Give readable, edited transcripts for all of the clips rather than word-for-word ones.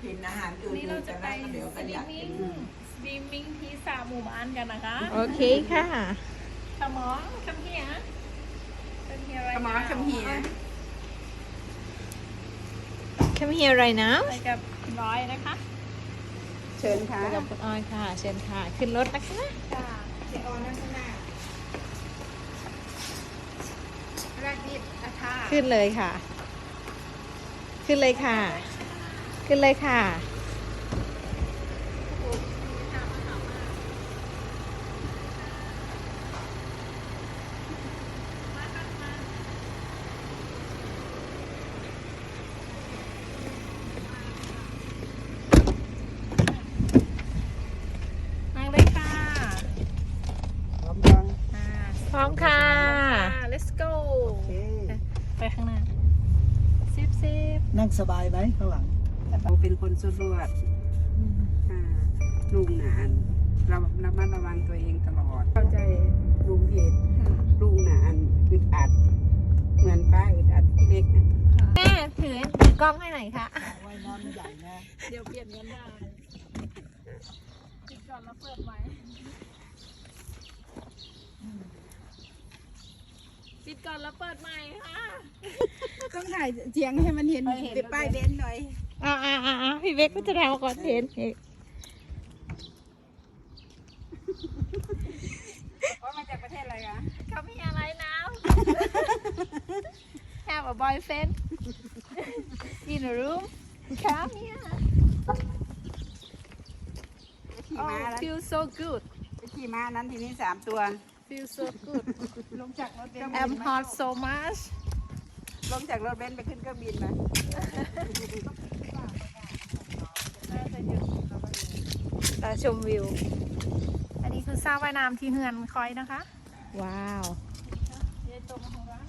กินอาหารอื่นนี่เราจะไปเดี๋ยวสกันวิอยากมมิ่กิงนสวิมมิ่งที่สระหมู่บ้านกันนะคะโอเคค่ะสมองคำเฮียอะไรขมอขมเหีย Come here right now ไปกับคุณร้อยนะคะเชิญค่ะไปกับคุณออยค่ะ เชิญค่ะ ขึ้นรถนะคะค่ะเดี๋ยวออนนั่งข้างหน้าแรกนิดนะคะขึ้นเลยค่ะ ขึ้นเลยค่ะ ขึ้นเลยค่ะนั่งเลยค่ะพร้อมยังพร้อมค่ะ let's go โอเคไปข้างหน้าซิบนั่งสบายไหมข้างหลังเราเป็นคนสุดรวดลุงหนานเราระมัดระวังตัวเองตลอด เข้าใจลุงเพจลุงหนานอึดอัด เหมือนป้าอึดอัดที่เล็กนะแม่ถือกล้องให้หน่อยค่ะว่ายน้ำใหญ่นะเดี๋ยวเปลี่ยนกันได้ปิดก่อนแล้วเปิดใหม่ปิดก่อนแล้วเปิดใหม่ค่ะต้องถ่ายเสียงให้มันเห็นติดป้ายเบนซ์หน่อยพี่เบคก็จะทำก่อนเห็นอีกว่ามาจากประเทศอะไรคะเขามีอะไรนะ Have a boyfriend in a room Come here ขี่ Oh ม้าแล้ว feel so good ขี่ม้านั้นทีนี้3 ตัว feel so good ลงจากรถเบนซ์ I'm hot so much ลงจากรถเบนซ์ไปขึ้นเครื่องบินมาชมวิวอันนี้คือสระว่ายน้ำที่เฮือนคอยนะคะว้าวเยตรงของร้าน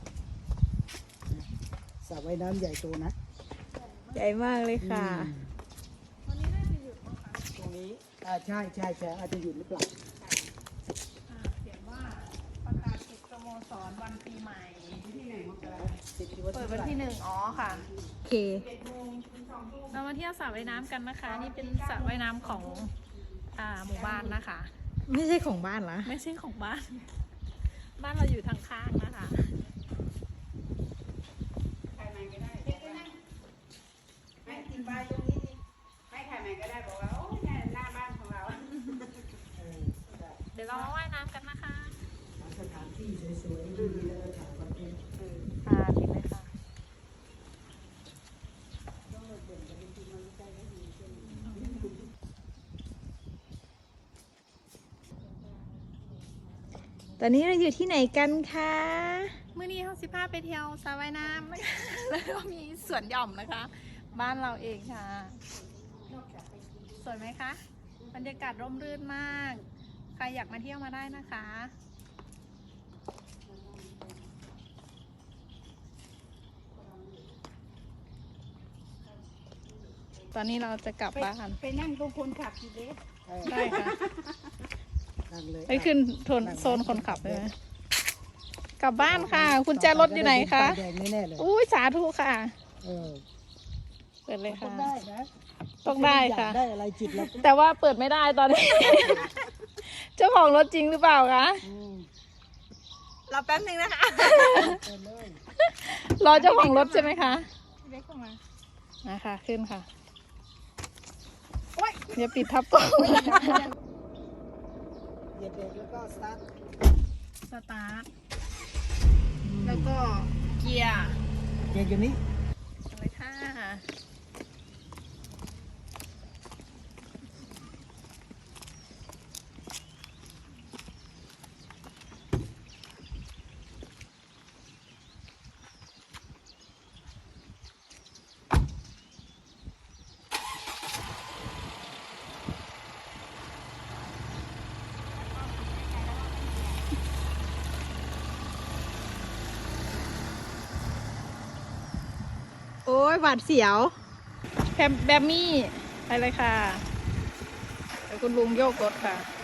สระว่ายน้ำใหญ่โตนะใหญ่มากเลยค่ะวันนี้น่าจะหยุดมั้งคะตรงนี้ใช่อาจจะหยุดหรือเปล่าเขียนว่าประกาศปิดสโมสรวันปีใหม่ที่ไหนมกราติดที่เปิดวันที่1อ๋อค่ะโอเคเรามาเที่ยวสระว่ายน้ำกันนะคะ นี่เป็นสระว่ายน้ำของหมู่บ้านนะคะไม่ใช่ของบ้านเหรอไม่ใช่ของบ้าน บ้านเราอยู่ทางข้างนะคะถ่ายใหม่ก็ได้ไม่ติดป้ายตรงนี้นี่ไม่ถ่ายใหม่ก็ได้บอกว่าโอ้ยเนี่ยหน้าบ้านของเราเดี๋ยวเรามาว่ายน้ำกันนะคะสถานที่สวยๆดีแล้วก็ถ่ายคอนเทนต์ค่ะดีเลยค่ะตอนนี้เราอยู่ที่ไหนกันคะเมื่อนี้เขาสิพาไปเที่ยวสระว่ายน้ำ แล้วก็มีสวนหย่อมนะคะ บ้านเราเองค่ะ สวยไหมคะ บรรยากาศร่มรื่นมาก ใครอยากมาเที่ยวมาได้นะคะ ตอนนี้เราจะกลับบ้านไปนั่งตรงคนขับทีเด็กได้ค่ะนั่งเลยไปขึ้นโซนคนขับเลยไหมกลับบ้านค่ะ คุณแจรถอยู่ไหนคะแดงแน่ๆเลยอุ้ยสาธุค่ะเออเปิดเลยค่ะได้นะต้องได้ค่ะได้อะไรจิตแล้วแต่ว่าเปิดไม่ได้ตอนนี้ เจ้าของรถจริงหรือเปล่าคะรอแป๊บนึงนะคะเปิดเลยรอเจ้าของรถใช่ไหมคะเล็กเข้ามานะคะขึ้นค่ะอย่าปิดทับกล้องเหยียบเบรกแล้วก็สตาร์ทสตาร์ทแล้วก็เกียร์เกียร์อยู่นี้เลยค่ะโอ้ยหวาดเสียวแบมมี่ไปเลยค่ะเดี๋ยวคุณลุงโยกรถค่ะ